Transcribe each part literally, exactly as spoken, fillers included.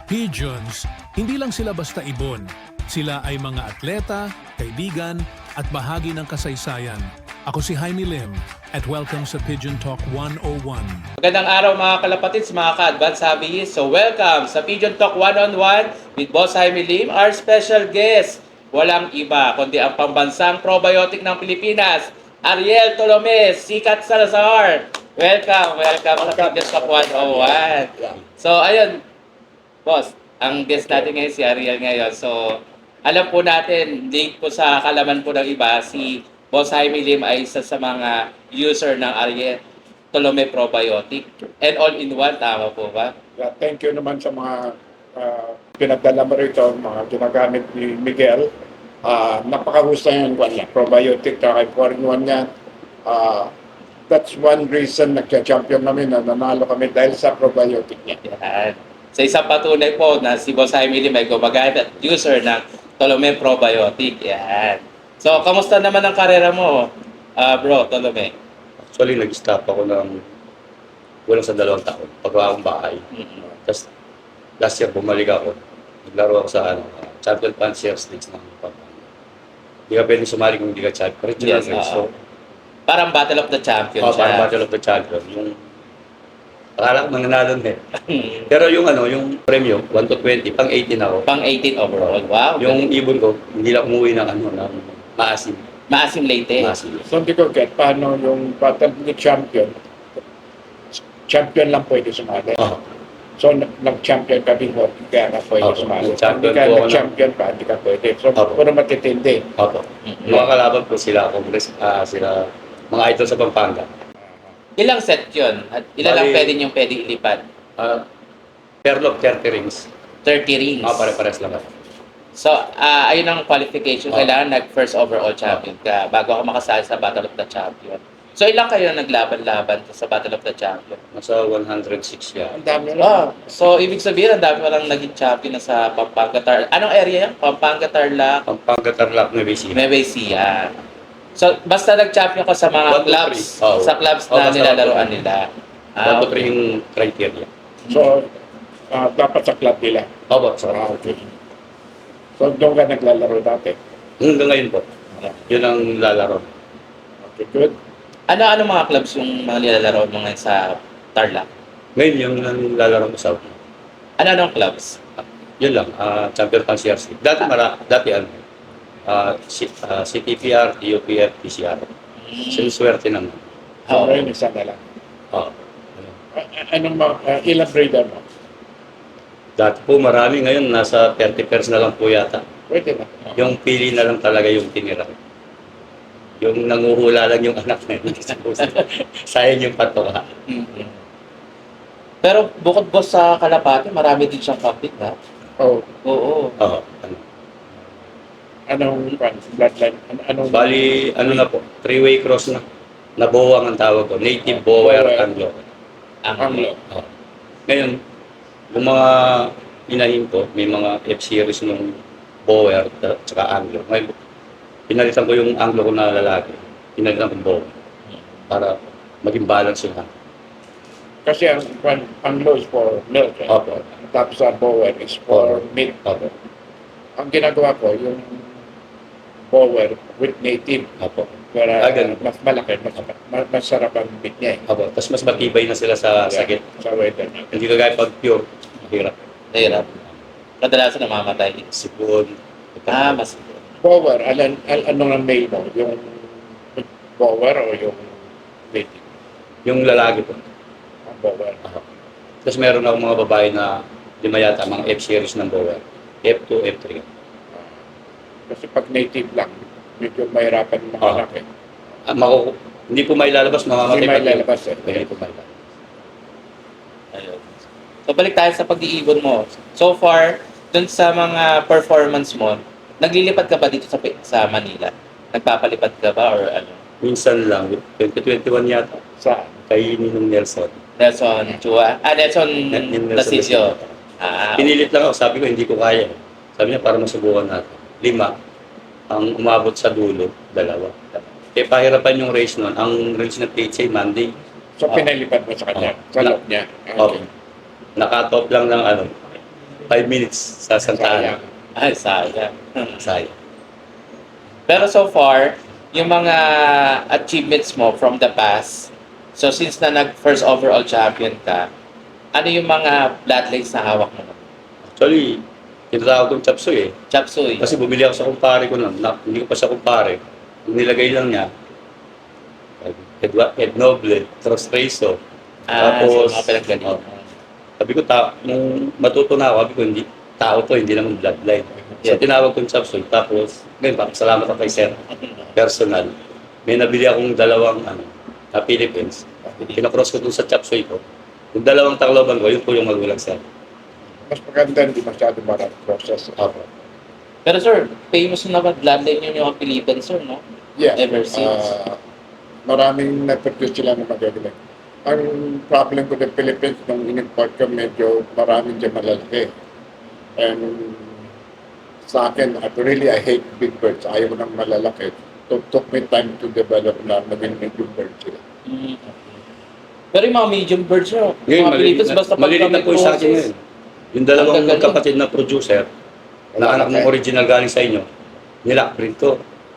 Pigeons, hindi lang sila basta ibon. Sila ay mga atleta, kaibigan, at bahagi ng kasaysayan. Ako si Jaime Lim at welcome sa Pigeon Talk one oh one. Magandang araw mga kalapatids, mga ka-advance hobbyist. So welcome sa Pigeon Talk one oh one with Boss Jaime Lim. Our special guest, walang iba kundi ang pambansang probiotic ng Pilipinas, Ariel Tolomes, Sikat Salazar. Welcome, welcome sa Pigeon Talk one oh one. So ayun, Boss, ang guest natin ngayon si Ariel ngayon. So alam po natin, link po sa kalaman po ng iba, si Boss Jaime Lim ay isa sa mga user ng Ariel Tolome Probiotic. And all-in-one, tama po ba? Yeah, thank you naman sa mga uh, pinagdala mo rito, mga ginagamit ni Miguel. Uh, napakahusay yung kwan niya, probiotic, kaya four in one yan. Uh, that's one reason nagka-champion namin na nanalo kami dahil sa probiotic niya. Yan. Sa isang patunay po na si Boss Jaime Lim ay gumagamit at user ng Tolome Probiotic. Yan. So, kamusta naman ang karera mo, uh, bro, Tolome? Actually, nag-stop ako ng kulang sa dalawang taon. Pagawa akong bahay. Mm-hmm. Tapos, last year, bumalik ako. Naglaro ako sa ano, uh, Champion Fanciers Leagues ng Pampanga. Hindi ka pwede sumali kung hindi ka champion. Regional Yes, race. uh, So, parang Battle of the Champions. oh, parang Battle of the Champion. Yung, akala ko mananalo na eh. Pero yung ano, yung premyo, one to twenty, pang eighteen ako. Pang eighteen overall. Wow. Yung ibon ko, hindi lang umuwi ng ano, ng maasim. Maasim Leyte. Maasim. So hindi ko get paano yung battle ni champion. Champion lang pwede sumali. Oh. So nag- nag-champion ka before, kaya ka pwede Oo, sumali. nag-champion Hindi ka po ako nag-champion pa, hindi ka pwede. So Oo. puro matitindi. Opo. Mhm. Mga kalaban ko sila, Congress, ah, sila, mga idol sa Pampanga. Ilang set yun? At ilan lang Bali- pwede niyong pwede ilipad? Uh, Perlock, thirty rings. thirty rings. Ah, pare-pares lang. So, ah ayun ang qualification. Oh. Kailangan nag-first overall champion ka bago ako makasali sa Battle of the Champion. So, ilang kayo naglaban-laban sa Battle of the Champion? Nasa one hundred six yan. Ang dami Ah, lang. so ibig sabihin, ang dami walang naging champion na sa Pampanga Tarlac. Anong area yan? Pampanga Tarlac, Pampanga, Tarlac, Nueva Ecija. Nueva Ecija. So, basta nag-champion ka sa mga One to clubs, three. Oo. sa clubs Oo, na basta nilalaroan one to nila. One to three yung criteria. So ah, dapat sa club nila. Opo, so, Ah, okay. So doon ka naglalaro dati. hanggang ngayon po, yun ang lalaro. Okay, good. Ano-ano mga clubs yung mga nilalaro mo ngayon sa Tarlac? Ngayon yung ang lalaro ko sa Ano-anong clubs? yun lang, ah, Champion Fanciers League. Dati, mara, dati ano, ah, C, ah, C T P R, T U P F, P C R. Sinuswerte naman. So Oo. ngayon isa na lang. Oh. Ah, ah, anong mga, ah, ilang breeder mo? Dati po marami, ngayon nasa thirty pairs na lang po yata. Pwede na. Yung pili na lang talaga yung tinira. Yung nanguhula lang yung anak na yun. Sayang yung patoka. Mhm. Pero bukod boss sa Kalapati, marami din siyang public, ha? Oh, Oo. Oo. Ano. anong kwan, bloodline? An- anong Bali, ano na po, three-way cross na. Nabuwang ang tawag ko. Native Bower Bower. Anglo. Ang Anglo. Oo. Ngayon, yung mga inahin ko, may mga F-series ng Bower at saka Anglo. Ngayon, pinalitan ko yung Anglo ko na lalaki. Pinalitan ko yung Bower. Para maging balance yung ano. Kasi ang kwan, ang low is for milk. Eh. Opo. Tapos ang bower is for meat. Opo. Ang ginagawa ko, yung bower with native. Opo. Para Ah, ganun. mas malaki, mas, mas masarap ang meat niya eh. Opo. Tapos mas matibay na sila sa sakit. Sa weather niya. Hindi kagaya pag pure, mahirap. Hirap. Kadalasan namamatay. Sipon. Ah, mas... Bower, alan, al, ano ang male mo? Yung bower o yung native? Yung lalaki po. Ang bower. Tapos meron akong mga babae na lima yata, mga F-series ng Bower. F two, F three. Kasi pag native lang, medyo mahirapan yung mga Ah. anak eh. Ah, maku- hindi po may lalabas, mamamatay Hindi pa may din. lalabas eh. Hindi po may lalabas. Ayun. So, balik tayo sa pag-iibon mo. So far, dun sa mga performance mo, naglilipad ka ba dito sa sa Manila? Nagpapalipad ka ba or ano? Minsan lang, twenty twenty-one yata, Sa kay Ninong Nelson. Nelson Chua? Ah, Nelson Nelson Tasisio. Ah, Pinilit lang ako, sabi ko hindi ko kaya. Sabi niya, para masubukan natin. Lima, ang umabot sa dulo, dalawa. Eh, pahirapan yung race nun. Ang race na T H A, Monday. So, Ah. pinalipad mo sa kanya, Ah. sa loob niya. Okay. Nakatop lang ng ano, five minutes sa Santa Ana. Sayang. Ay, sayang. Sayang. Pero so far, yung mga achievements mo from the past, so since na nag-first overall champion ka, ano yung mga bloodlines na hawak mo? Actually, tinatawag kong Chapsuy eh. Chop Suey. Kasi bumili ako sa kumpare ko nun. Na, hindi ko pa sa kumpare. Yung nilagay lang niya, Ed, Ed Noble, Cross Rezo. Ah, Tapos, so mga pinaggaling. oh, sabi ko, ta nung matuto na ako, sabi ko, hindi, tao to, hindi naman bloodline. So, Yeah. tinawag kong Chapsuy. Tapos, ngayon, salamat ako kay Sir. Personal. May nabili akong dalawang, ano, na Philippines. Kinakross ko dun sa Chapsuy ko. Yung dalawang Tacloban ko, yun po yung magulang Sir. Mas maganda, hindi masyado marang process. Opo. Pero sir, famous na naman bloodline yun yung Philippines, sir, no? Yeah. Ever since. ah, maraming na-produce sila na magagaling. Ang problem ko ng Philippines, nung in-import ko, medyo maraming dyan malalaki. And sa akin, at really, I hate big birds. Ayaw ko ng malalaki. It took me time to develop na maging medium bird sila. Mm. Pero yung mga medium birds nyo, Ngayon, mga malilit Philippines, na, basta malilit na po sa akin process. ngayon. Yung dalawang Ang gagaling. magkapatid na producer, na anak ng original galing sa inyo, nila, print ko.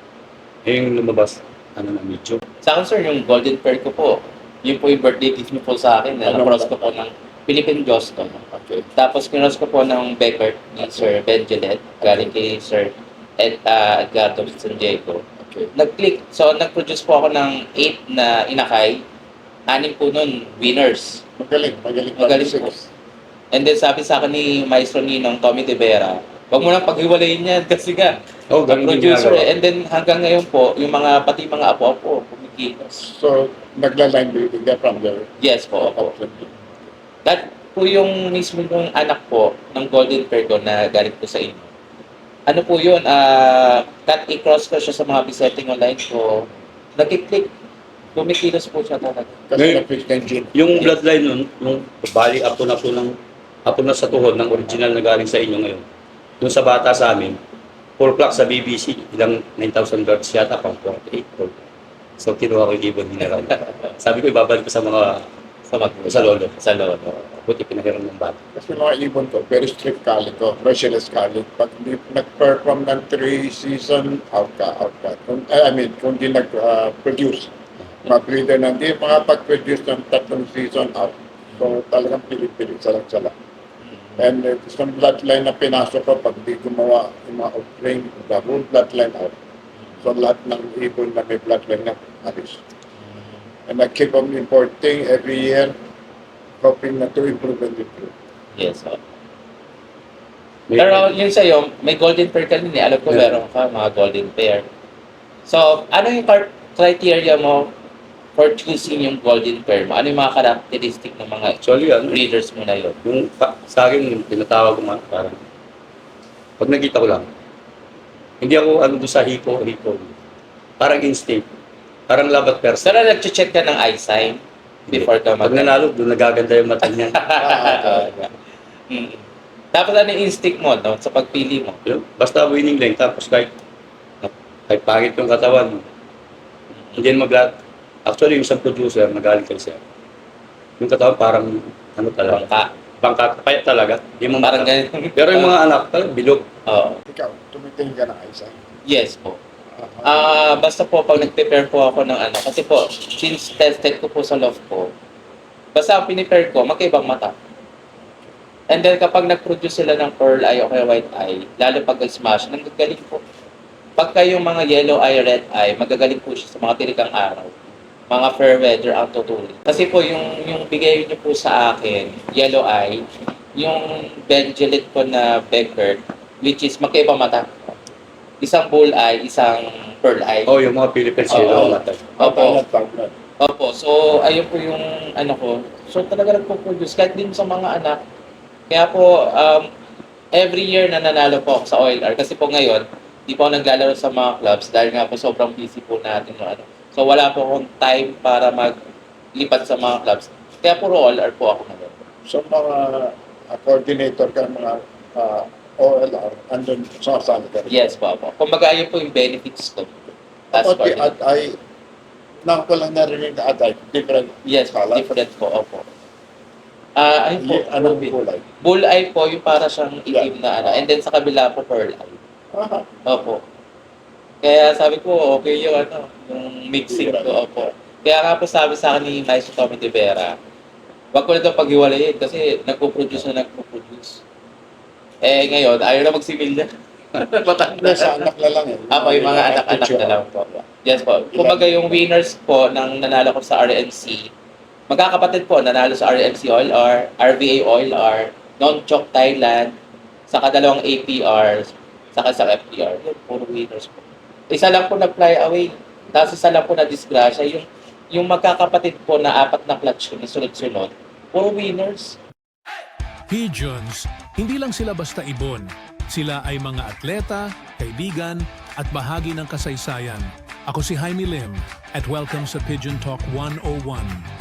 Yung lumabas, ano na, medyo. Sa akin, sir, yung golden pair ko po, yun po yung birthday gift niyo po sa akin. Na Ano cross ba? ko po ng Philippine Joston. Okay. Tapos kinos ko po ng Beckert ni Sir Ben Gillette, galing kay Sir Ed, uh, Edgardo San Diego. Okay. Nag-click. So, nag-produce po ako ng eight na inakay. Anim po nun, winners. Magaling, magaling. Magaling Six. po. And then sabi sa akin ni Maestro Ninong Tommy De Vera, wag mo nang paghiwalayin yan kasi nga, Oh, ang ganun yung producer ginagawa. eh. And then hanggang ngayon po, yung mga, pati mga apo-apo, kumikilos. So, nagla-line building ka from there. Yes po, opo. That po yung mismo yung anak po ng Golden Pair ko na galing po sa inyo. Ano po yun, ah, cut i-cross ko siya sa mga bisetting online ko. Nag-click, kumikilos po siya talaga. Kasi Ngayon- na-fix na yung gene. Yung bloodline nun, yung bali apo na po ng, apo na sa tuhod ng original na galing sa inyo ngayon. Yung sa bata sa amin, full clock sa B B C, ilang nine thousand birds yata, pang forty-eight. So, kinuha ko yung ibon mineral. Sabi ko, ibabalik ko sa mga, Sa mag sa lolo. Sa lolo. Buti pinahiram ng bata. Kasi mga ibon ko, very strict calling ko, merciless calling. Pag di nag-perform ng three season, out ka, out ka. Kung, I mean, kung di nag-produce, mag-breeder na, di makapag-produce ng tatlong season, out. So, talagang pilit-pilit, salang-sala. And uh, isang bloodline na pinasok ko, pag di gumawa yung mga offspring, the whole bloodline out. So, lahat ng ibon na may bloodline na alis. And I keep on importing every year, hoping na to improve and improve. Yes, po. May- Pero yun sa'yo, may golden pair ka din eh. Alam ko Yeah. meron ka mga golden pair. So, ano yung cri- criteria mo for choosing yung golden pair mo? Ano yung mga characteristic ng mga Actually, ano, breeders mo na yun? yung pa, sa akin, yung tinatawag ko man, parang, pag nakita ko lang, hindi ako ano doon sa hipo, hipo. Parang instinct. Parang love at first. Pero nag-check ka ng eye sign before ka Pag mag- nanalo, doon nagaganda yung mata niya. Mm. Tapos ano yung instinct mo no, sa pagpili mo? Yun, basta winning lang, tapos kahit, kahit pangit yung katawan, hindi na magla... Actually, yung isang producer, nagaling kay Sir. Yung katawan parang, ano talaga, Bangka. bangka, kaya talaga. Hindi mo Parang mata. ganyan. Pero yung mga anak, talagang bilog. Oo. Ikaw, tumitingin ka ng eyesight. Yes po. Ah, basta po pag nag-prepare po ako ng ano, kasi po, since tested ko po sa loft ko, basta ang pinipare ko, magkaibang mata. And then kapag nag-produce sila ng pearl eye o kaya white eye, lalo pag smash, nagagaling po. Pagka yung mga yellow eye, red eye, magagaling po siya sa mga tilikang araw. Mga fair weather ang tutuloy. Kasi po yung, yung bigay niyo po sa akin, yellow eye, yung Benjelit po na Beckert, which is magkaibang mata. Isang bull eye, isang pearl eye. Oh, yung mga Philippines, Oo. yun, mata. Opo. Tawag Opo. So, ayun po yung ano ko. So, talaga nagpo-produce. Kahit din sa mga anak. Kaya po, um, every year na nanalo po ako sa O L R. Kasi po ngayon, di po ako naglalaro sa mga clubs dahil nga po sobrang busy po natin. No, ano. So, wala po akong time para maglipat sa mga clubs. Kaya puro O L R po ako ngayon. So, mga uh, coordinator ka, mga uh, O L R, andun sa sali ka rin. Yes po, po. Kumbaga, ayun po yung benefits ko. As About the coordinator. ad-eye, nang ko lang narinig na ad-eye, different Yes, color. different po. Opo. Ah, ay po. Y- anong kulay? Bulleye po, yung para siyang itim na ano. And then sa kabila po, pearl eye. Aha. Opo. Kaya sabi ko, okay yung ano, yung mixing ko. Opo. Kaya nga po sabi sa akin ni Maestro Tommy De Vera, wag ko na ito paghiwalayin kasi nagpo-produce na nagpo-produce. Eh ngayon, ayaw na magsimilya. Hindi, sa anak na lang eh. Ako yung mga anak-anak na lang po. Yes po. Kumbaga yung winners po ng nanalo ko sa R M C, magkakapatid po, nanalo sa R M C Oil R, R V A Oil R, Non-Chok Thailand, saka dalawang A P R, saka sa F P R. Yun, puro winners po. Isa lang po nag-fly away. Tapos isa lang po na disgrasya. Yung, yung magkakapatid po na apat na clutch yung sunod-sunod, puro winners. Pigeons, hindi lang sila basta ibon. Sila ay mga atleta, kaibigan, at bahagi ng kasaysayan. Ako si Jaime Lim at welcome sa Pigeon Talk one oh one.